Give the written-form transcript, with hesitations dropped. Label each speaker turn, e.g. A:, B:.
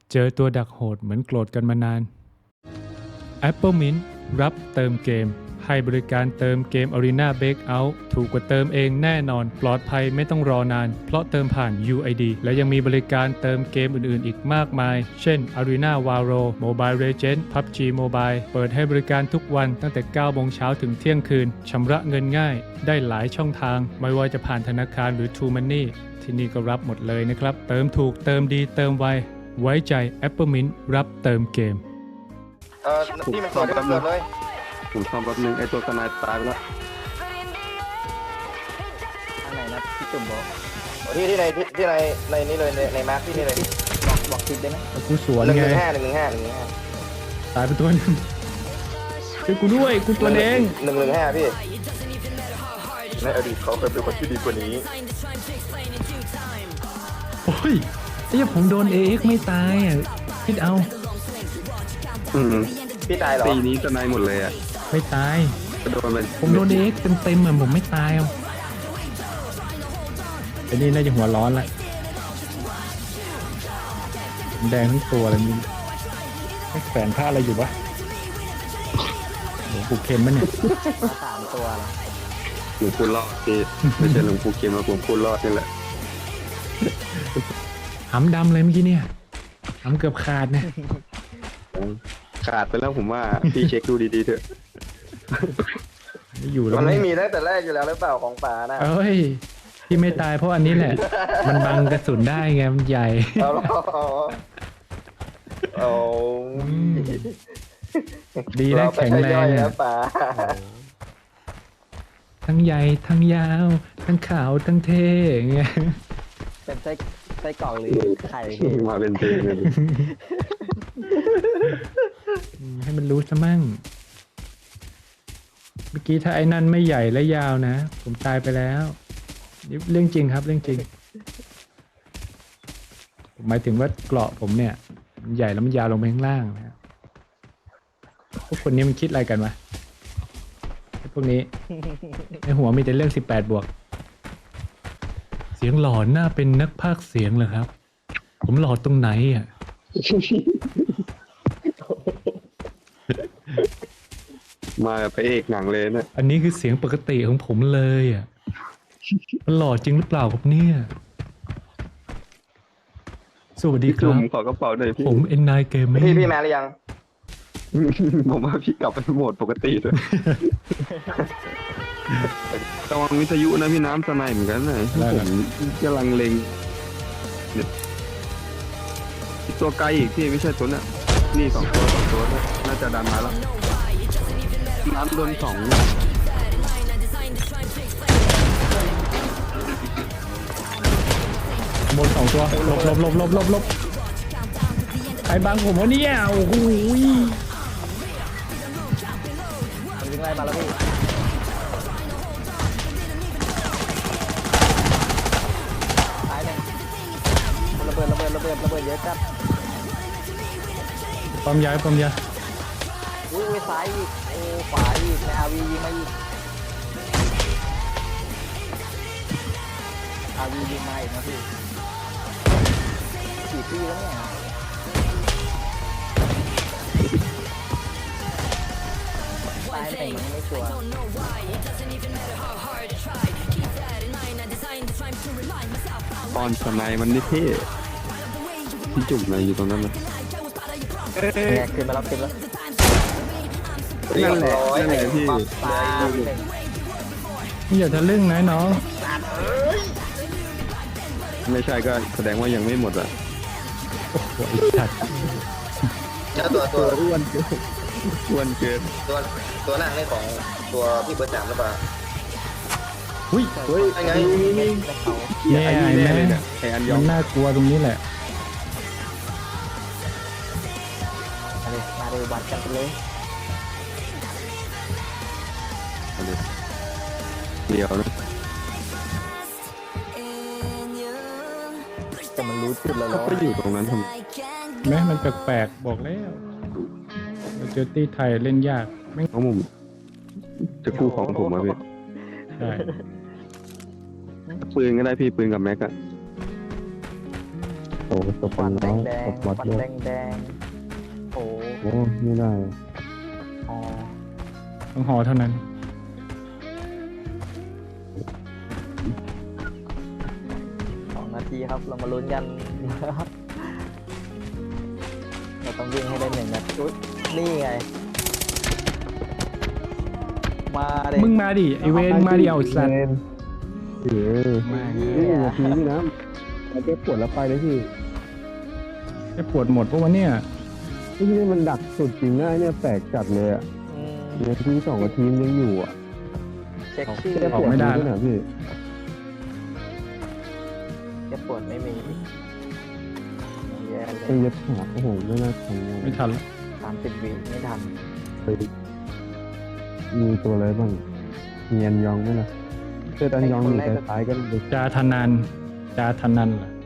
A: เจอตัวดักโหดเหมือนโกรธกันมานาน Apple Mint รับเติมเกมให้บริการเติมเกม Arena Breakout ถูกกว่าเติมเองแน่นอนปลอดภัยไม่ต้องรอนานเพราะเติมผ่าน UID และยังมีบริการเติมเกมอื่นๆอีกมากมายเช่น Arena Valor Mobile Legends PUBG Mobile เปิดให้บริการทุกวันตั้งแต่ 9 โมงเช้าถึงเที่ยงคืนชำระเงินง่ายได้หลายช่องทางไม่ว่าจะผ่านธนาคารหรือ True Money ที่นี่ก็รับหมดเลยนะครับเติมถูกเติมดีเติมไวไว้ใจ Apple Mint รับเติมเกม
B: พี่มันเกิดเลย
C: ผมซ่อมแป๊บนึงไอตัวสไนป์ตายไปแล้ว
B: ทางไหนนะพี่จุ่มบอกที่ในนี้เลยในมาร์คที่นี่เลยบอกทิศได้ไหม
A: กูสวนไงตายไปตัวนึงช่วยกูด้วยกูตัวเอง
B: 115พี่ในอดีตเขาเคยเป็นคนที่ดีกว่านี้
A: โอ้ยไอ้ยังผมโดน AX ไม่ตายอ่ะคิดเอา
B: พี่ตายเหรอ
C: ตีนี้สไนป์หมดเลยอ่ะ
A: ไม่ตาย
C: กระโดดไป
A: ผมโดน AX เต็มๆอ่ะผมไม่ตายอ่ะไอ้นี่น่าจะหัวร้อนละแดงทั้งตัวเลยมึงไม่แฝงผ้าอะไรอยู่วะโหผูกเข็มมันเนี่ย
B: 3 ตัวแล้ว
C: หลวงปู่รอดที่ไม่ใช่หลวงปู่เข็มนะหลวงปู่รอดนี่แหละ
A: หำดำเลยเมื่อกี้เนี่ยหำเกือบขาดเนี่ย
C: ขาดไปแล้วผมว่าพี่เช็คดูดีๆเถอะ
A: ไม่อยู่แล้ว
B: มันไม่มีตั้งแต่แรกอยู่แล้วหรือเปล่าของป่านะ
A: เอ้ยที่ไม่ตายเพราะอันนี้แหละ มันบังกระสุนได้ไงมันใหญ่
B: โอ้
A: ดีนะแข็งแรงอ่ะ
B: ป่า
A: ทั้งใหญ่ทั้งยาวทั้งขาวทั้งเท่อย่างเงี้ย
B: เป็นไส้กรอกหรือไข่
C: มาเป็นเพลงเลย
A: ให้มันรู้ซะมั่งเมื่อกี้ถ้าไอ้นั่นไม่ใหญ่และยาวนะผมตายไปแล้วนี่เรื่องจริงครับเรื่องจริงผมหมายถึงว่าเกราะผมเนี่ยมันใหญ่แล้วมันยาวลงไปข้างล่างนะครับพวกคนนี้มันคิดอะไรกันวะไอ้พวกนี้ในหัวมีแต่เรื่อง18 บวกเสียงหล่อหน้าเป็นนักพากย์เสียงเหรอครับผมหล่อตรงไหนอ่ะ
C: มาแบบพระเอกหนังเลยนะ
A: อันนี้คือเสียงปกติของผมเลยอ่ะ มันหล่อจริงหรือเปล่าครับเนี่ย สวัสดีค
C: จุ่
A: รั
C: ม
A: บ
C: ขอกระเป๋าหน่อยพี่
A: ผมเอ็นนายเกมมิ่ง
B: พี่มาหรือยัง
C: ผมว่าพี่กลับไปโหมดปกติเลยระวังวิทยุนะพี่น้ำสไนป์เหมือนกันนะผมกำลังเล็งเนี่ยตัวไกลอีกพี่ไม่ใช่ตัวน่ะนี่2 ตัวน่าจะดันมาแล้วน้ำโดน2
A: บน2 ตัวหลบใครบังผมวะเนี่ยโอ้โห
B: มันวิ่งไล่มาแล้วพี่ตายหนึ่งระเบิดเยอะจัด
A: ปั๊มยา
B: อุ้ยซ้ายอีกโอ้ขวาอีกในอาวียิงมาอีกอาวียิงมาอีกนะพี่กี่ปีแล้วเนี่ยตายแต่มันไม่ชัวร์
C: ตอนสไนป์มันนี่เท่พี่จุ่มอะไรอยู่ตรงนั้นนะ
B: เนี่ยขึ้นมาแล้ว
C: นั่นแหละพี่
B: ตายหนึ่ง
A: นี่อย่าทะลึ่งนะน้อง
C: ไม่ใช่ก็แสดงว่ายังไม่หมดอ่ะ
A: โอ้โหไอ้สัตว์
B: แล้วตัว
C: อ้วนเกิน
B: ตัวหน้านี่ของตัวพี่เบอร์3หรือเปล่า
A: อุ้ย
C: เฮ้ย
B: ไง
A: เนี่ย
C: ไอ้
A: ไอ้
C: นี่แน่
A: แม่
C: เลยเนี่ยไอ้อันยอ
A: มั
C: ง
A: นน่ากลัวตรงนี้แหละ
B: มาเลยวัดกันไปเลย
C: เดียวนะ
B: แต่มันรู้จุดแล้ว
C: ก็ไปอยู่ตรงนั้นทำไม
A: แม้มันแปลกๆบอกแล้วเจอตี้ไทยเล่นยากไม่
C: เพราะผมจะกู้ของผมมาพี่
A: ใช่
C: ปืนก็ได้พี่ปืนกับแม็กอะ
D: โอ้ตก
B: ฟั
D: กัน
B: นแด
D: น้อง
B: งแดง
D: ตกบอด
B: ฟัน
D: เย
B: แด
D: อะ
B: งแดงโอ้
D: โอ้ไม่ได้
B: อ๋อ
A: ต้องหอเท่านั้น
B: 2 นาทีครับเรามาลุ้นกัน เราต้องวิ่งให้ได้1 นาทีอุ๊ยนี่ไง มาดิ
A: มึงมาดิไอเวนมาดิเอาสัตว์
D: เออ
A: มา
D: นี่นาทีนี่นะมันจะปวดแล้วไปเลยพี่
A: จะปวดหมดเพราะว่าเนี่ย
D: นี่มันดักสุดจริงนะเนี่ยแปลกจัดเลยอ่ะ
B: อืม
D: นาที2 นาทีมันยังอยู่อ่ะ
B: เช็คชื่อ
D: แค่ปวดด้วยนะพี่
B: แกปวดไม่มีแย่เล
D: ไอ้
B: ย
D: ยัดขาโอ้โหไม่น่าทำงาน
A: ไม่ทันละ
B: 30 วิไม่ทัน
D: ไปมีตัวอะไรบ้างเงียนยองไหมล่ะเซตอันยองอยู่ท้ายๆก็เลย
A: จาทนันจาทนันล่ะ